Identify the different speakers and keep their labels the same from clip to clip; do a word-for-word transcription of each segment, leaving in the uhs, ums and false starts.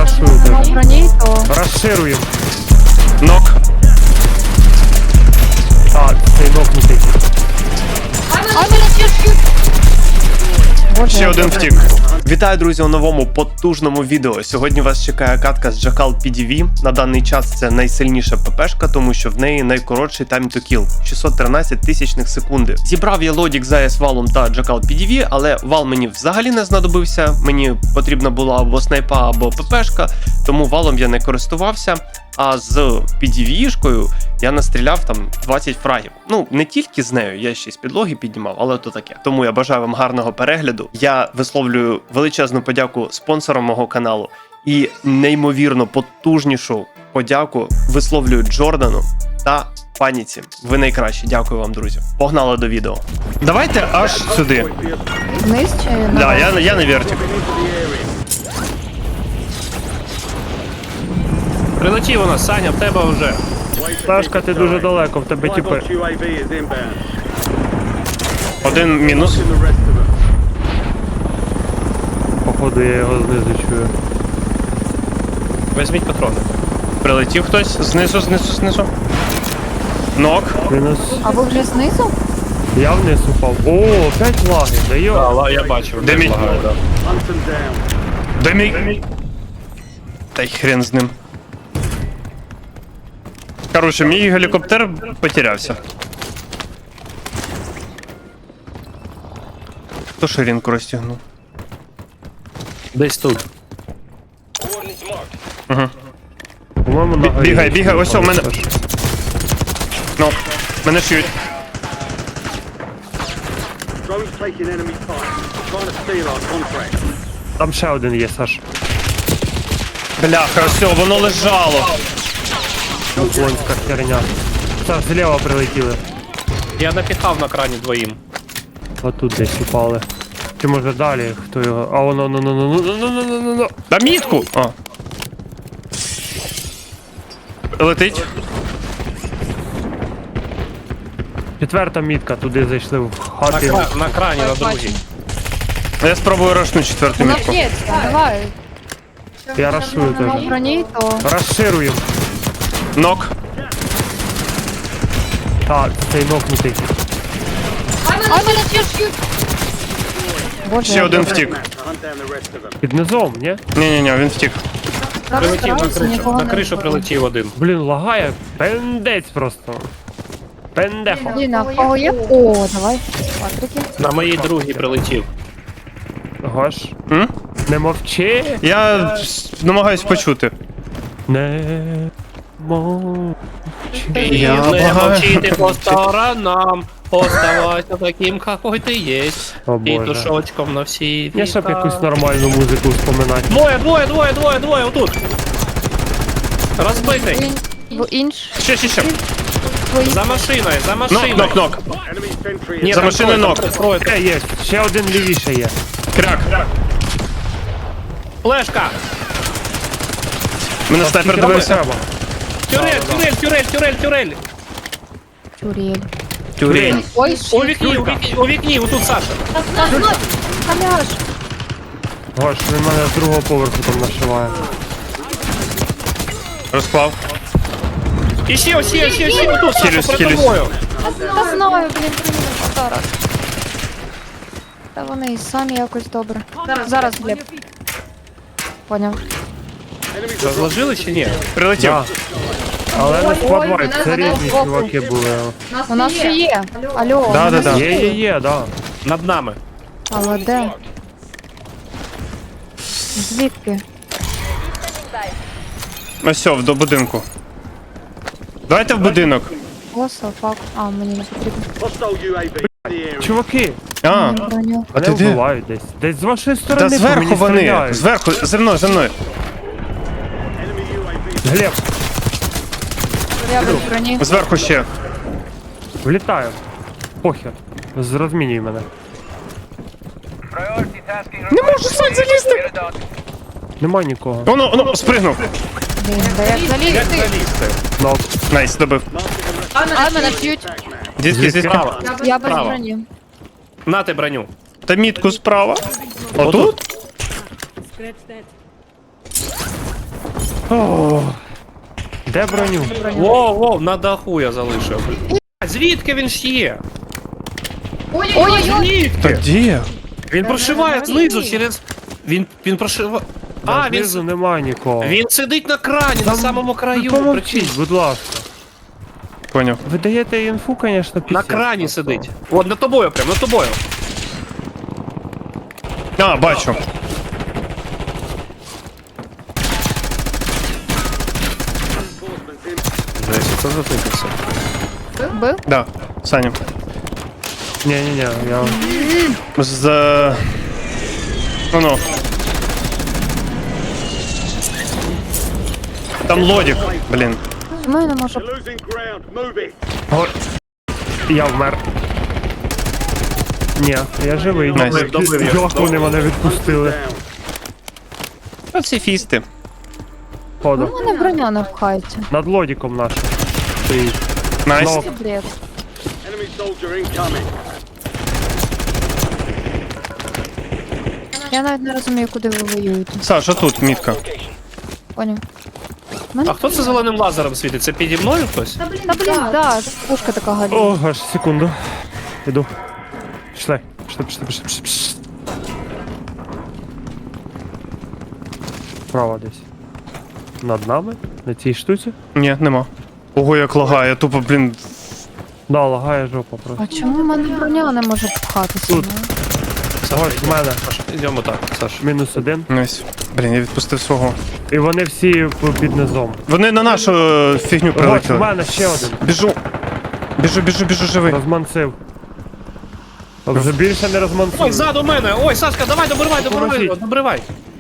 Speaker 1: рашую теж.
Speaker 2: Броні, то...
Speaker 1: Розширюємо.
Speaker 3: Нок.
Speaker 1: А, цей нокнутий.
Speaker 2: Ай, мене тішки! Боже,
Speaker 3: Ще
Speaker 2: я
Speaker 3: один
Speaker 2: добре.
Speaker 3: втік. Вітаю, друзі, у новому потужному відео. Сьогодні вас чекає катка з Jackal пі ді ві. На даний час це найсильніша ППшка, тому що в неї найкоротший time to kill – шістсот тринадцять тисячних секунди. Зібрав я лодік з ей ес валом та Jackal пі ді ві, але вал мені взагалі не знадобився. Мені потрібна була або снайпа, або ППшка, тому валом я не користувався. А з пі ді ві-шкою я настріляв там двадцять фрагів. Ну, не тільки з нею, я ще й з підлоги піднімав, але то таке. Тому я бажаю вам гарного перегляду. Я висловлюю величезну подяку спонсорам мого каналу і неймовірно потужнішу подяку висловлюю Джордану та Паніці. Ви найкращі. Дякую вам, друзі. Погнали до відео. Давайте аж сюди.
Speaker 2: Вниз чи на
Speaker 3: Да, я, я на вертик.
Speaker 4: Прилетів у нас, Саня, в тебе вже.
Speaker 1: Сашка, ти дуже далеко, в тебе тіпи.
Speaker 3: Один мінус.
Speaker 1: Походу я його знизу чую.
Speaker 4: Візьміть патрони.
Speaker 3: Прилетів хтось. Знизу, знизу, знизу. Нок.
Speaker 1: Мінус.
Speaker 2: А ви вже знизу?
Speaker 1: Я вниз упав. О, опять лаги, да йо.
Speaker 4: Але я бачив,
Speaker 3: Де
Speaker 4: де
Speaker 3: мій?
Speaker 4: лагає, да.
Speaker 3: Де мій? Та й хрен з ним. Короче, мій гелікоптер потерявся. Хто ширинку розтягнув?
Speaker 4: Десь тут.
Speaker 3: Угу.
Speaker 1: По-моєму, на горі.
Speaker 3: Бігай, бігай, ось у мене.
Speaker 1: Саш.
Speaker 3: Ну, мене шиють.
Speaker 5: Drone's taking enemy time, trying to steal our contract.
Speaker 1: Там ще один є, Саш.
Speaker 3: Бляха, все, воно лежало.
Speaker 1: Уклонська херня. Саш, зліва прилетіли.
Speaker 4: Я напіхав на крані двоїм.
Speaker 1: Отут десь упали. Чи може далі, хто його. А воно, ну, ну, ну, ну, ну, ну, ну, ну, ну.
Speaker 3: Да мітку! А. Летить.
Speaker 1: Четверта мітка, туди зайшли в
Speaker 4: На,
Speaker 1: хати.
Speaker 4: кра... на крані, на другій.
Speaker 3: Я спробую рашну четверту
Speaker 2: Вона
Speaker 3: мітку.
Speaker 2: б'ється, давай.
Speaker 1: Я рашую
Speaker 2: На
Speaker 1: теж.
Speaker 2: броні, то...
Speaker 1: Розширюємо.
Speaker 3: Нок.
Speaker 1: Так, цей нокнутий.
Speaker 2: Ай, мене тішки! Боже,
Speaker 3: Ще
Speaker 2: я
Speaker 3: один
Speaker 2: добре.
Speaker 3: втік.
Speaker 5: To hunt down the rest of them.
Speaker 1: Під низом, ні?
Speaker 3: Ні-ні-ні, він втік.
Speaker 2: Зараз
Speaker 4: Прилетів на
Speaker 2: стараюся,
Speaker 4: кришу.
Speaker 2: нікого
Speaker 4: На
Speaker 2: не
Speaker 4: кришу
Speaker 2: вбити.
Speaker 4: прилетів один.
Speaker 1: Блін, лагає. Пендець просто. Пендехо.
Speaker 2: Блін, а в кого є? О, давай. Патрики.
Speaker 4: На моїй другій прилетів.
Speaker 1: Гош.
Speaker 3: М?
Speaker 1: Не мовчи.
Speaker 3: Я с- намагаюсь почути.
Speaker 1: Не мовчи.
Speaker 3: Я
Speaker 4: не
Speaker 3: благаю.
Speaker 4: мовчити по сторонам. Оставайся таким, какой ти є.
Speaker 1: О,
Speaker 4: І
Speaker 1: Боже.
Speaker 4: душочком на всі
Speaker 1: Я щоб
Speaker 4: віка.
Speaker 1: якусь нормальну музику вспоминати.
Speaker 4: Двоє, двоє, двоє, двоє, двоє, отут. Розбитий.
Speaker 2: Він в інш.
Speaker 3: Ще, ще, ще.
Speaker 2: Твої.
Speaker 4: За машиною, за
Speaker 3: Нок,
Speaker 4: машиною.
Speaker 3: нок, нок.
Speaker 5: Enemy sentry
Speaker 4: Ні,
Speaker 3: За
Speaker 4: там
Speaker 3: машиною
Speaker 4: троє,
Speaker 3: нок.
Speaker 4: там троє.
Speaker 1: Е, є. Ще один лівіше є.
Speaker 3: Крак.
Speaker 4: Флешка.
Speaker 3: Мене снайпер
Speaker 1: Скільки
Speaker 3: дивився.
Speaker 1: треба?
Speaker 4: Тюрель, тюрель, тюрель, тюрель, тюрель.
Speaker 2: Тюрель.
Speaker 3: Тюрель.
Speaker 2: Ой,
Speaker 4: У
Speaker 2: ще.
Speaker 4: вікні, у вікні, у вікні, отут Саша.
Speaker 2: Халяш.
Speaker 1: Гош, він мене з другого поверху там нашиває.
Speaker 3: Розклав.
Speaker 4: І ще, ще, ще, ще, отут, Саша,
Speaker 3: Хилюсь,
Speaker 4: перед
Speaker 3: хилюсь.
Speaker 4: тобою.
Speaker 2: Та знаю, блін, приїду зараз. Та вони і самі якось добре. Зараз, Глеб. Поняв.
Speaker 4: Розложили чи ні?
Speaker 3: Прилетів.
Speaker 1: Да. Але не
Speaker 2: Ой,
Speaker 1: складвай,
Speaker 2: мене
Speaker 1: це
Speaker 2: задав
Speaker 1: різні
Speaker 2: збоку.
Speaker 1: чуваки були.
Speaker 2: У нас ще є. Алло.
Speaker 3: Да,
Speaker 2: у
Speaker 3: да,
Speaker 2: нас
Speaker 3: да.
Speaker 1: Є, є, є, да.
Speaker 4: Над нами.
Speaker 2: Але де? Звідки?
Speaker 3: Ось все, до будинку. Давайте в будинок.
Speaker 2: Оса, фак. А, мені не потрібно.
Speaker 5: hostile ю ей ві in the area.
Speaker 1: Чуваки,
Speaker 3: А,
Speaker 2: Броню.
Speaker 3: а ти
Speaker 1: мене
Speaker 3: де?
Speaker 1: вбивають десь. Десь з вашої
Speaker 3: Та
Speaker 1: сторони по
Speaker 3: зверху
Speaker 1: мені
Speaker 3: вони.
Speaker 1: стріляють.
Speaker 3: Зверху, за мною, за мною.
Speaker 5: Enemy ю ей ві.
Speaker 1: Глеб,
Speaker 2: Я без броні.
Speaker 3: Зверху ще.
Speaker 1: влітаю. Похер. Зрозмінюй мене.
Speaker 3: Не можу сам залізти.
Speaker 1: Нема нікого.
Speaker 3: Воно, воно, спригнув.
Speaker 2: Блін, да як залізти?
Speaker 4: Залізти.
Speaker 1: Нок.
Speaker 3: Найс, добив.
Speaker 2: А, мене б'ють.
Speaker 3: Звідки, звідки?
Speaker 4: Справа.
Speaker 2: Я без
Speaker 4: Справа.
Speaker 2: броні.
Speaker 4: Нати броню.
Speaker 3: Та мітку справа. Отут?
Speaker 1: О, де броню?
Speaker 4: Воу, воу, на даху я залишив. Блядь, звідки він ж є?
Speaker 2: Ой-ой-ой!
Speaker 3: Та
Speaker 4: Звідки?
Speaker 3: де?
Speaker 4: Він прошиває знизу через... Він, він прошиває... А,
Speaker 1: А,
Speaker 4: він,
Speaker 1: знизу немає нікого.
Speaker 4: він сидить на крані, на самому краю.
Speaker 1: Помовчіть,
Speaker 4: Прикинь.
Speaker 1: будь ласка.
Speaker 3: Поняв.
Speaker 1: Ви даєте інфу, звісно,
Speaker 4: На
Speaker 1: після.
Speaker 4: крані сидить. От, над тобою прям, над тобою.
Speaker 3: А, бачу.
Speaker 4: Жесть, це затикався.
Speaker 2: Бив?
Speaker 3: Да, Саня.
Speaker 1: Ні-ні-ні, я...
Speaker 3: З... е, Ну, ну. Там лодік, блін.
Speaker 2: Чому я не можу?
Speaker 5: You're losing ground. Move it.
Speaker 1: О, я вмер. Ні, я живий.
Speaker 3: Найс.
Speaker 4: Добив, добив я.
Speaker 1: Як вони мене відпустили?
Speaker 5: Down.
Speaker 3: Пацифісти.
Speaker 1: Ходу.
Speaker 2: У мене броня не пхається.
Speaker 1: Над лодіком нашим. Стоїть.
Speaker 3: Найс.
Speaker 1: Ну,
Speaker 2: Це бред.
Speaker 5: Enemy soldier incoming.
Speaker 2: Я навіть не розумію, куди ви воюєте.
Speaker 3: Саша, тут мітка.
Speaker 2: Поняв.
Speaker 4: А хто це зеленим лазером світить? Це піді мною хтось?
Speaker 2: Та блін, да, пушка така галіна.
Speaker 1: О, аж секунду. Іду. Пішли. Пішли, пішли, пішли, пішли, пішли. Справа десь. Над нами? На цій штуці?
Speaker 3: Ні, нема. Ого, як лагає, тупо, блін.
Speaker 1: Да, лагає жопа просто.
Speaker 2: А чому в мене броня не може пхатися?
Speaker 1: Тут.
Speaker 2: ну?
Speaker 1: Ось в мене.
Speaker 4: Йдемо так, Саш.
Speaker 1: Мінус один.
Speaker 3: Найс. Блін, я відпустив свого.
Speaker 1: І вони всі п- під низом.
Speaker 3: Вони на нашу е, фігню
Speaker 1: Ось в
Speaker 3: прилетіли.
Speaker 1: мене ще один.
Speaker 3: Біжу. Біжу, біжу, біжу, живий.
Speaker 1: Розманцив. А вже більше не
Speaker 4: Ой,
Speaker 1: розманцив.
Speaker 4: ззаду мене! Ой, Сашка, давай, добривай, добривай,
Speaker 1: Поможіть.
Speaker 4: добривай.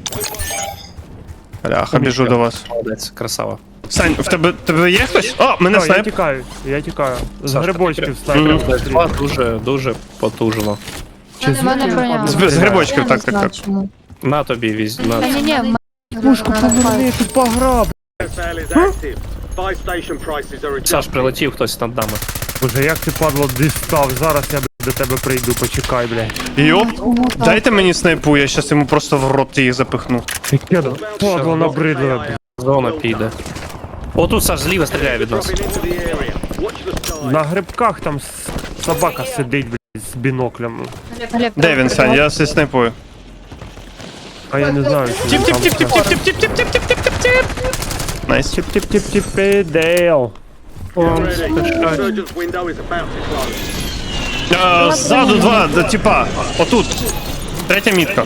Speaker 3: Бляха, біжу до вас.
Speaker 4: Молодець, красава.
Speaker 3: Сань, в тебе, тебе є хтось? О, мене
Speaker 1: О, я
Speaker 3: снайп.
Speaker 1: тікаю, я тікаю. З
Speaker 4: Саш,
Speaker 1: грибочків
Speaker 4: ти
Speaker 1: снайпер.
Speaker 4: Два дуже, дуже потужно.
Speaker 1: Чи
Speaker 2: В мене броня.
Speaker 3: З, з грибочків,
Speaker 2: Я не
Speaker 3: так, так,
Speaker 2: знаю,
Speaker 3: так.
Speaker 2: чому.
Speaker 4: На тобі візь,
Speaker 2: Та
Speaker 4: на.
Speaker 2: ні, ні, в мене
Speaker 1: Пушку
Speaker 2: вона не
Speaker 1: поверни,
Speaker 2: пхається.
Speaker 1: тут пограб.
Speaker 5: Sale is active. Buy station prices are
Speaker 4: Саш,
Speaker 5: adjusted.
Speaker 4: прилетів хтось над нами.
Speaker 1: Боже, як ти падло дістав, зараз я б, до тебе прийду, почекай, блядь.
Speaker 3: Йоп,
Speaker 2: Тому так.
Speaker 3: дайте мені снайпу, я щас йому просто в рот їх запихну.
Speaker 1: Яке падло набридло, блядь.
Speaker 4: Зона піде. Отут Саш зліва стріляє від нас.
Speaker 5: Dropping into the area. Watch the sky.
Speaker 1: На грибках там с- собака сидить, блядь, з біноклем.
Speaker 2: Глеб,
Speaker 3: Де він, Сань? Я зі снайпую.
Speaker 1: А я не знаю, що він там.
Speaker 3: Тіп-тіп-тіп-тіп-тіп-тіп-тіп-тіп-тіп. Найс.
Speaker 1: Тіп-тіп-тіп-тіп, Дейл.
Speaker 5: Ready. Surgeon's window is about to close.
Speaker 3: Е, Ззаду два, да, типа. Отут. Третя мітка.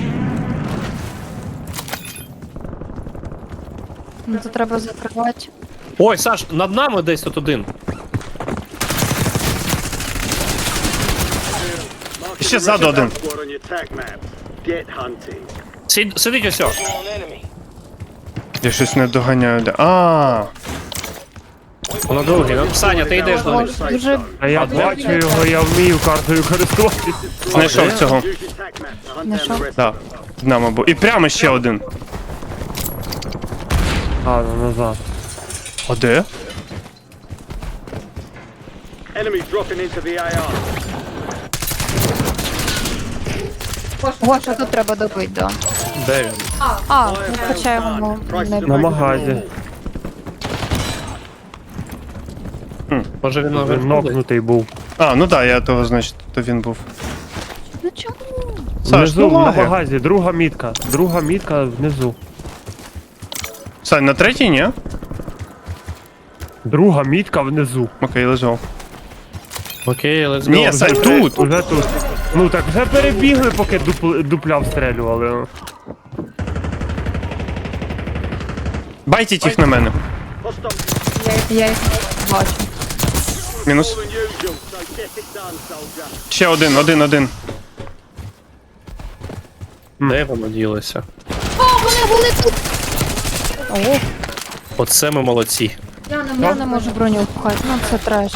Speaker 2: Ну, це треба закривати.
Speaker 4: Ой, Саш, над нами десь тут один.
Speaker 3: Ще ззаду один.
Speaker 5: Squad on your tac map. Get hunting.
Speaker 4: Сид- Сидить ось. о.
Speaker 3: Я щось не доганяю. Де. А,
Speaker 4: Воно другий. Ну, Саня, ти йдеш до них.
Speaker 2: О, дуже
Speaker 1: А я бачу його, я вмію картою користуватися.
Speaker 3: знайшов цього.
Speaker 5: Use your tac map to hunt down
Speaker 2: Знайшов?
Speaker 5: the rest.
Speaker 3: Да. На, мабуть. І прямо ще один.
Speaker 1: А, ну назад.
Speaker 3: А де?
Speaker 5: Enemies dropping into the A R.
Speaker 2: О, що тут треба добити, да.
Speaker 4: Де він?
Speaker 2: А, ну, хоча його не
Speaker 1: На магазі.
Speaker 4: Може він
Speaker 1: Він
Speaker 4: наверху? десь?
Speaker 1: нокнутий був.
Speaker 3: А, ну да, я того, значить, то він був.
Speaker 2: Ну чому?
Speaker 3: Саш,
Speaker 1: Внизу,
Speaker 3: ну
Speaker 1: на
Speaker 3: лаги.
Speaker 1: магазі, друга мітка. Друга мітка внизу.
Speaker 3: Сань, на третій, ні?
Speaker 1: Друга мітка внизу.
Speaker 3: Окей, лежав.
Speaker 4: Окей, let's go.
Speaker 3: Ні, Сань,
Speaker 1: Вже-
Speaker 3: тут.
Speaker 1: Уже тут. Ну так вже перебігли, поки дупл, дупля встрелювали.
Speaker 3: Байтіть їх на мене.
Speaker 5: Hostile
Speaker 2: Я їх бачу.
Speaker 3: Мінус.
Speaker 5: than usual, so get it done, soldier.
Speaker 3: Ще один, один, один.
Speaker 4: Де воно ділося?
Speaker 2: О, вони були тут! О,
Speaker 4: Оце ми молодці.
Speaker 2: я не можу броню впхати, ну це треш.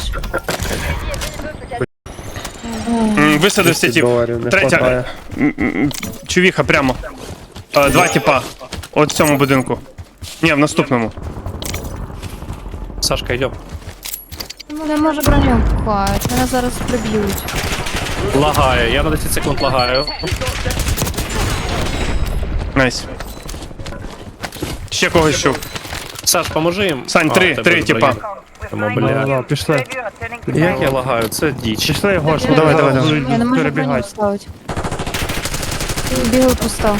Speaker 3: М, Висадився тип.
Speaker 1: доларів не
Speaker 3: Третя.
Speaker 1: хватає.
Speaker 3: М, м, Чувіха прямо. Е, Два типа. От в цьому будинку. Ні, в наступному.
Speaker 4: Сашка, йдемо.
Speaker 2: Не можу броню впхати, мене зараз приб'ють.
Speaker 4: Лагає, я на десять секунд лагаю.
Speaker 3: Найс. ще когось чув.
Speaker 4: Саш, поможи їм.
Speaker 3: Сань,
Speaker 4: А,
Speaker 3: три,
Speaker 4: в тебе
Speaker 3: три, типа.
Speaker 4: зброя. Тому,
Speaker 1: Да,
Speaker 4: бля.
Speaker 1: да, пішли.
Speaker 4: Як я лагаю, це діч.
Speaker 1: Пішли, Гош,
Speaker 2: Я-
Speaker 3: давай,
Speaker 1: зараз
Speaker 3: давай, давай.
Speaker 1: будуть
Speaker 2: Я не можу броню
Speaker 1: перебігати.
Speaker 2: вставити. Бігаю пусто.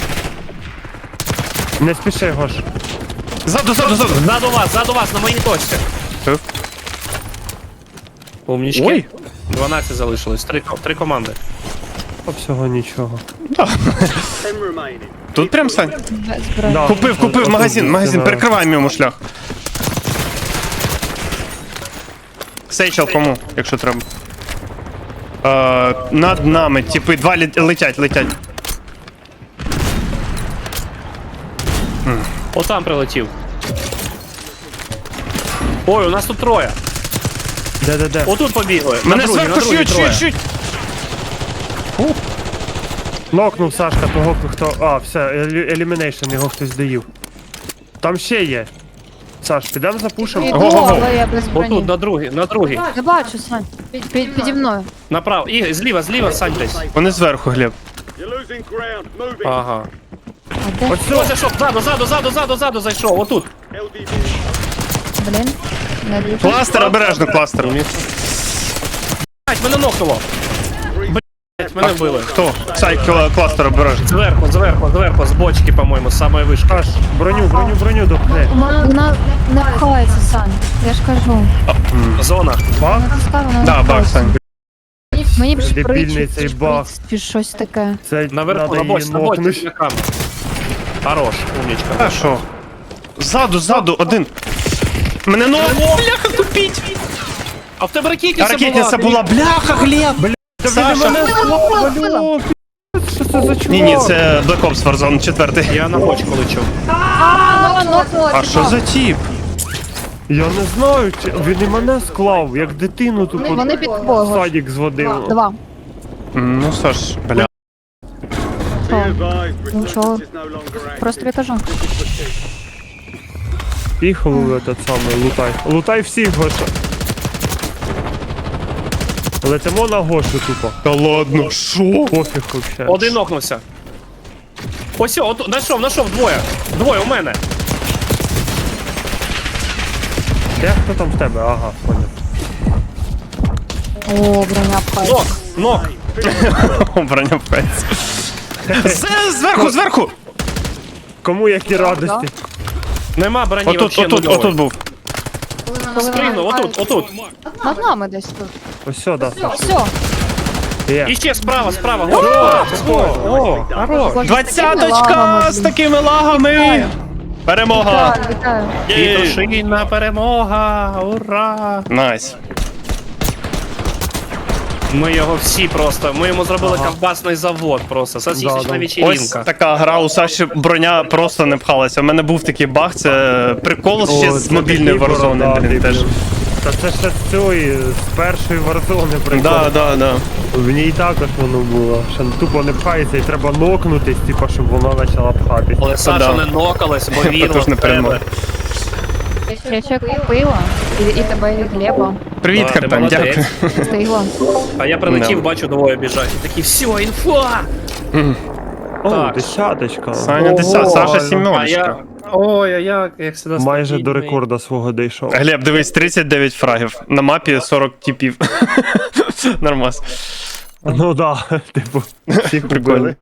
Speaker 1: Не спіши, Гош.
Speaker 3: Ззаду, ззаду, ззаду.
Speaker 4: Ззаду вас, ззаду вас, на моїй точці.
Speaker 3: Е?
Speaker 4: Умнічки.
Speaker 3: Ой.
Speaker 4: дванадцять залишилось, три, три команди.
Speaker 1: А всього нічого.
Speaker 5: Ten remaining.
Speaker 3: Тут прям, Сань.
Speaker 2: Без броні.
Speaker 1: Да.
Speaker 3: Купив, купив,
Speaker 1: Отут
Speaker 3: магазин,
Speaker 1: буде,
Speaker 3: магазин,
Speaker 1: да.
Speaker 3: перекриваємо йому шлях. Сейчел кому, якщо треба. Е, над нами, типи, два лі- летять, летять.
Speaker 4: Отам прилетів. Ой, у нас тут троє.
Speaker 1: Де-де-де.
Speaker 4: Отут побігли.
Speaker 3: Мене
Speaker 4: на другій,
Speaker 3: зверху
Speaker 4: на другій
Speaker 3: шиють,
Speaker 4: троє.
Speaker 3: шиють, шиють.
Speaker 1: Нокнув Сашка того, хто. А, все, елі- елімінейшн, його хтось доїв. Там ще є. Саш, підемо запушимо.
Speaker 2: Іду,
Speaker 3: Го-го-го.
Speaker 2: але я без броні.
Speaker 4: Отут, на другій, на другій.
Speaker 2: Я бачу, Сань. Під, під, піді мною.
Speaker 4: Направо. І зліва, зліва, Сань десь.
Speaker 3: Вони зверху, Глеб.
Speaker 5: You're losing ground. Moving.
Speaker 4: Ага.
Speaker 2: А де?
Speaker 1: Ось
Speaker 4: Ось
Speaker 1: все.
Speaker 4: зайшов, ззаду, ззаду, ззаду, ззаду, ззаду зайшов. Отут.
Speaker 5: L D B.
Speaker 2: Блін. Не дуже.
Speaker 3: Кластер, обережно, кластер.
Speaker 4: Блять, мене нокнуло. Блять, мене вбили.
Speaker 3: Хто? Сай, кла- кластер, обережно.
Speaker 4: Зверху, зверху, зверху, з бочки, по-моєму, з самої вишки.
Speaker 1: Саш, броню, броню, броню допни.
Speaker 2: Вона не пхається, Сань. Я ж кажу.
Speaker 4: Зона.
Speaker 1: Баг?
Speaker 2: Вона пускай, вона не
Speaker 3: Да, баг,
Speaker 2: пхається.
Speaker 3: Сань.
Speaker 2: Мені б
Speaker 1: Дебільний
Speaker 2: шприц,
Speaker 1: цей
Speaker 2: шприц
Speaker 1: баг.
Speaker 2: чи щось таке.
Speaker 1: Це
Speaker 4: Наверху,
Speaker 1: надо
Speaker 4: на бочці,
Speaker 1: її
Speaker 4: на бочці,
Speaker 1: нокнути.
Speaker 4: біля камня. Хорош, умнічка.
Speaker 3: А що? Ззаду, ззаду, один. Мене ну... Бляха, купіть!
Speaker 4: А в тебе ракетниця була.
Speaker 3: Ракетниця
Speaker 4: ти-
Speaker 3: була, бляха, Глеб! Саша!
Speaker 2: Вбила, вбила.
Speaker 1: Що це за чувак?
Speaker 3: Ні, ні, це Black Ops Warzone четвертий.
Speaker 4: Я на бочку лечу.
Speaker 2: А, нокнула,
Speaker 3: А
Speaker 2: типа.
Speaker 3: що за тіп?
Speaker 1: Я не знаю, чи він і мене склав, як дитину тупо
Speaker 2: Вони- вони під
Speaker 1: в
Speaker 2: тобою.
Speaker 1: садик зводив.
Speaker 2: Два.
Speaker 3: М, Ну, Саш, бля.
Speaker 2: Що?
Speaker 5: Be advised,
Speaker 2: Нічого.
Speaker 5: resurgence is no longer active.
Speaker 2: Просто тобі кажу.
Speaker 1: Поїхали в этот самий, лутай. Лутай всіх, Гоша. Летимо на Гошу тупо.
Speaker 3: Та ладно, що?
Speaker 1: Пофіг вообще.
Speaker 4: Один нокнувся. Ось, о, отут, знайшов, знайшов, двоє. Двоє у мене.
Speaker 1: Де хто там в тебе? Ага, понял.
Speaker 2: О, броня пхається.
Speaker 4: Нок, нок.
Speaker 3: Броня пець. З- Зверху, зверху!
Speaker 1: Кому які радості?
Speaker 4: Нема броні,
Speaker 3: Отут,
Speaker 4: вообще
Speaker 3: отут,
Speaker 4: нульової.
Speaker 3: отут був.
Speaker 4: Спригнув, отут, отут.
Speaker 2: Над нами десь тут.
Speaker 1: Ось сюди, Саш.
Speaker 2: Все.
Speaker 1: Є.
Speaker 4: І ще справа, справа. О, о, о, хорош.
Speaker 3: Двадцяточка з такими лагами! Перемога!
Speaker 2: Вітаю, вітаю.
Speaker 3: Єй.
Speaker 4: Пітушина перемога, ура!
Speaker 3: Найс.
Speaker 4: Ми його всі просто, ми йому зробили ковбасний завод просто, сосисочна
Speaker 1: Да, да.
Speaker 3: Ось
Speaker 4: вечеринка.
Speaker 3: така гра, у Саші броня просто не пхалася. У мене був такий баг, це прикол ще
Speaker 1: О,
Speaker 3: з
Speaker 1: це
Speaker 3: мобільної
Speaker 1: такий
Speaker 3: Warzone,
Speaker 1: бородатий,
Speaker 3: блін, теж.
Speaker 1: блін. Та це ще з цієї, з першої Warzone прикол.
Speaker 3: Да, да, да.
Speaker 1: В ній також воно було. Що тупо не пхається і треба нокнутись, типу, щоб вона почала пхатись.
Speaker 4: Але Саша
Speaker 3: Да.
Speaker 4: не нокалась, бо вірила
Speaker 3: Також не
Speaker 4: в тебе.
Speaker 3: перемога.
Speaker 2: Я ще купила. І, і тебе, і Глеба.
Speaker 3: Привіт,
Speaker 4: Да, ти
Speaker 3: Картан,
Speaker 4: молодець.
Speaker 3: дякую.
Speaker 2: Встигла.
Speaker 4: А я прилетів,
Speaker 3: Да.
Speaker 4: бачу, двоє біжать. І такі, все, інфа!
Speaker 1: О,
Speaker 4: Так.
Speaker 1: десяточка.
Speaker 3: Саня
Speaker 4: Ого,
Speaker 3: десят, Саша
Speaker 4: а
Speaker 3: сімерочка.
Speaker 4: я... Ой, а як, як завжди
Speaker 1: Майже
Speaker 4: стабільний.
Speaker 1: до рекорда свого дійшов.
Speaker 3: Глеб, дивись, тридцять дев'ять фрагів. На мапі сорок типів. Нормас.
Speaker 1: Ну да, типу, всіх
Speaker 3: Прикольно.
Speaker 1: убили.